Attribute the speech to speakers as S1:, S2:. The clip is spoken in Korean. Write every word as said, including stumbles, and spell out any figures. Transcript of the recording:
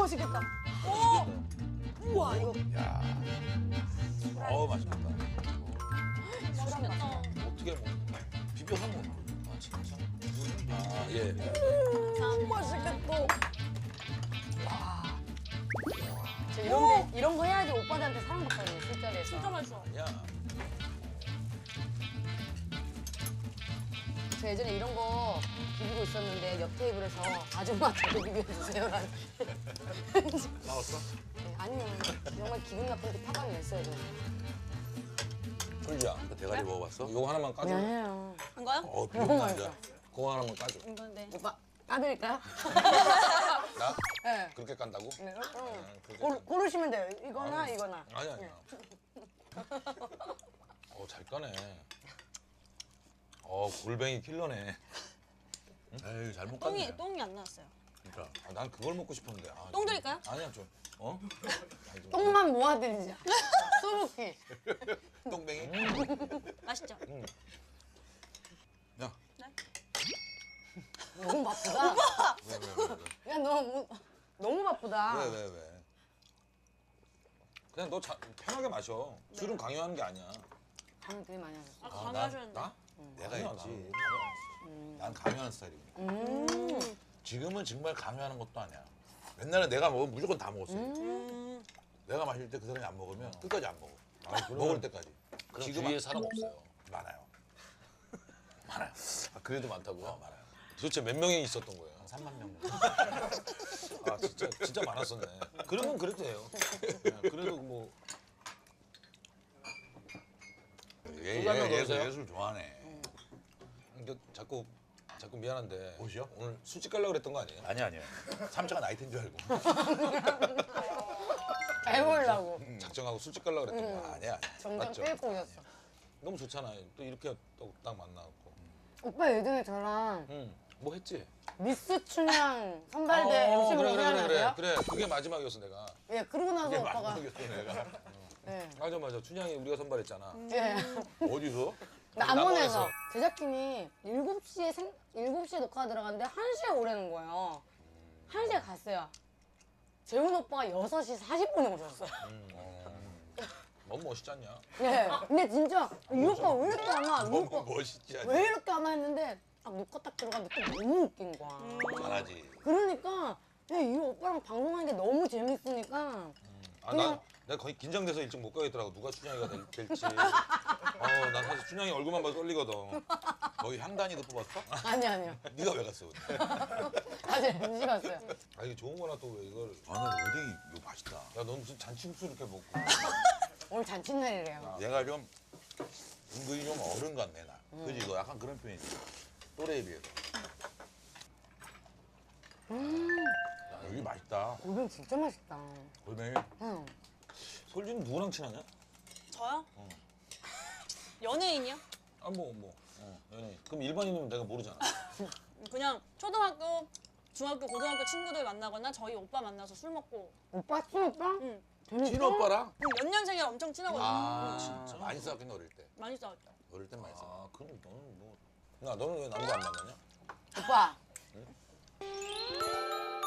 S1: 맛있겠다. 오! 우와, 이거.
S2: 야. 어우, 맛있겠다.
S1: 맛있겠다.
S2: 어떻게 먹어? 비벼서 먹어. 아, 진짜? 아, 예.
S1: 음, 맛있겠다. 와. 저 이런, 데, 이런 거 해야지 오빠들한테 사랑받거든요, 술자리에서.
S3: 진짜 맛있어.
S2: 야.
S1: 저 예전에 이런 거 비비고 있었는데 옆 테이블에서 아줌마 저도 비벼주세요라는.
S2: 나왔어?
S1: 네, 아니면 정말 기분 나쁜데 화가 냈어요. 저는.
S2: 솔지야, 그 대가리 먹어봤어? 이거 하나만 까줘.
S1: 아니에요.
S3: 한 거요?
S2: 어,
S1: 너무
S2: 비빔
S1: 맛있어.
S2: 남자. 그거 하나만 까줘.
S3: 이건데.
S1: 오빠 까드릴까요?
S2: 나?
S1: 네.
S2: 그렇게 깐다고?
S1: 네. 응.
S2: 그렇게
S1: 고르,
S2: 깐-
S1: 고르시면 돼요. 이거나
S2: 아니,
S1: 이거나.
S2: 아니, 아니야. 어, 잘 까네. 어, 골뱅이 킬러네. 에이, 잘못 깠네.
S3: 똥이 똥이 안 나왔어요.
S2: 그러니까. 아, 난 그걸 먹고 싶었는데. 아,
S3: 똥
S2: 좀-
S3: 드릴까요?
S2: 아니야, 좀. 어? 아니, 좀-
S1: 똥만 모아드리자. 수북히.
S2: 똥뱅이?
S3: 맛있죠?
S2: 응. 야,
S1: 너무 바쁘다.
S2: 왜, 왜, 왜, 왜?
S1: 야, 너 뭐, 너무 바쁘다.
S2: 왜, 왜, 왜? 그냥 너 자, 편하게 마셔. 술은 강요하는 게 아니야.
S1: 잠을 되게 많이 하셨어.
S3: 아,
S2: 나?
S3: 강요하셨는데.
S2: 나?
S4: 내가
S2: 아니야,
S4: 했지.
S2: 나는.
S1: 음.
S4: 난 강요하는 스타일이고.
S1: 음.
S4: 지금은 정말 강요하는 것도 아니야. 옛날에 내가 먹으면 무조건 다 먹었어.
S3: 음.
S4: 내가 마실 때 그 사람이 안 먹으면 끝까지 안 먹어.
S2: 아니, 그러면-
S4: 먹을 때까지.
S2: 그럼
S4: 지금
S2: 주위에
S4: 안-
S2: 사람 없어요.
S4: 많아요. 많아요.
S2: 아, 그래도 많다고요?
S4: 어, 많아요.
S2: 도대체 몇 명이 있었던 거예요?
S4: 한 삼만 명.
S2: 아, 진짜, 진짜 많았었네. 그러면 그래도 돼요. 네, 그래도 뭐.
S4: 얘,
S2: 술한잔
S4: 얘,
S2: 넣으세요?
S4: 얘 예술 좋아하네.
S2: 근데 자꾸, 자꾸 미안한데.
S4: 옷이요?
S2: 오늘 술집 가려고 그랬던 거 아니에요?
S4: 아니야, 아니야. 삼차가 나이트인 줄 알고.
S1: 잘 보려고.
S2: 작정하고 술집 가려고 그랬던 거
S4: 아니야, 아니야.
S1: 정장
S2: 맞죠?
S1: 끌고 오셨어.
S2: 너무 좋잖아요. 또 이렇게 또 딱 만나고.
S1: 오빠 예전에 저랑
S2: 응, 뭐 했지?
S1: 미스 춘향 선발대
S2: 어,
S1: 엠씨
S2: 그래,
S1: 보고
S2: 그래, 그래, 그래,
S1: 생각나세요?
S2: 그래. 그게 마지막이었어, 내가.
S1: 예, 그러고 나서
S4: 그게
S1: 오빠가.
S4: 마지막이었어, 내가.
S1: 네.
S2: 맞아, 맞아. 춘향이 우리가 선발했잖아.
S1: 예.
S4: 어디서?
S1: 남원에서
S2: 남원에서.
S1: 제작진이 일곱 시에 생, 일곱 시에 녹화 들어갔는데 한 시에 오라는 거예요. 한 시에 갔어요. 재훈 오빠가 여섯 시 사십 분에 오셨어요.
S2: 너무 멋있지 않냐?
S1: 예. 근데 진짜 이 오빠 왜 이렇게 안 와? 이
S4: 너무
S1: 오빠
S4: 멋있지 않냐?
S1: 왜 이렇게 안 와 했는데 딱 녹화 딱 들어갔는데 또 너무 웃긴 거야.
S4: 잘하지.
S1: 그러니까 그냥 이 오빠랑 방송하는 게 너무 재밌으니까
S2: 아, 나, 내가 거의 긴장돼서 일찍 못 가겠더라고. 누가 춘향이가 될, 될지. 어, 난 사실 춘향이 얼굴만 봐도 떨리거든.
S4: 거기 향단이도 뽑았어?
S1: 아니 아니요.
S4: 네가 왜 갔어? 근데?
S1: 아직 엠씨 갔어요.
S2: 아, 이게 좋은 거나 또 왜 이걸.
S4: 아, 나 오뎅이 이거 맛있다.
S2: 야, 넌 무슨 잔치국수 이렇게 먹고.
S1: 오늘 잔칫날이래요.
S4: 얘가 좀 은근히 좀 어른 같네, 나. 그지? 너 약간 그런 편이지. 또래에 비해서. 야, 여기 맛있다.
S1: 골뱅 진짜 맛있다.
S4: 골뱅이.
S1: 응.
S2: 솔지는 누구랑 친하냐?
S3: 저요? 연예인이요?
S2: 아, 뭐, 뭐. 어, 연예인. 그럼 일반인이면 내가 모르잖아.
S3: 그냥 초등학교, 중학교, 고등학교 친구들 만나거나 저희 오빠 만나서 술 먹고.
S1: 오빠 친오빠?
S3: 응.
S4: 친오빠랑?
S3: 응, 연년생이라 엄청 친하거든요.
S4: 아,
S3: 응.
S4: 진짜? 많이 싸웠겠네, 어릴 때.
S3: 많이 싸웠죠.
S4: 어릴 땐 많이 싸웠
S2: 아, 그럼 너는 뭐. 나, 너는 왜 남자 안 만나냐?
S1: 오빠.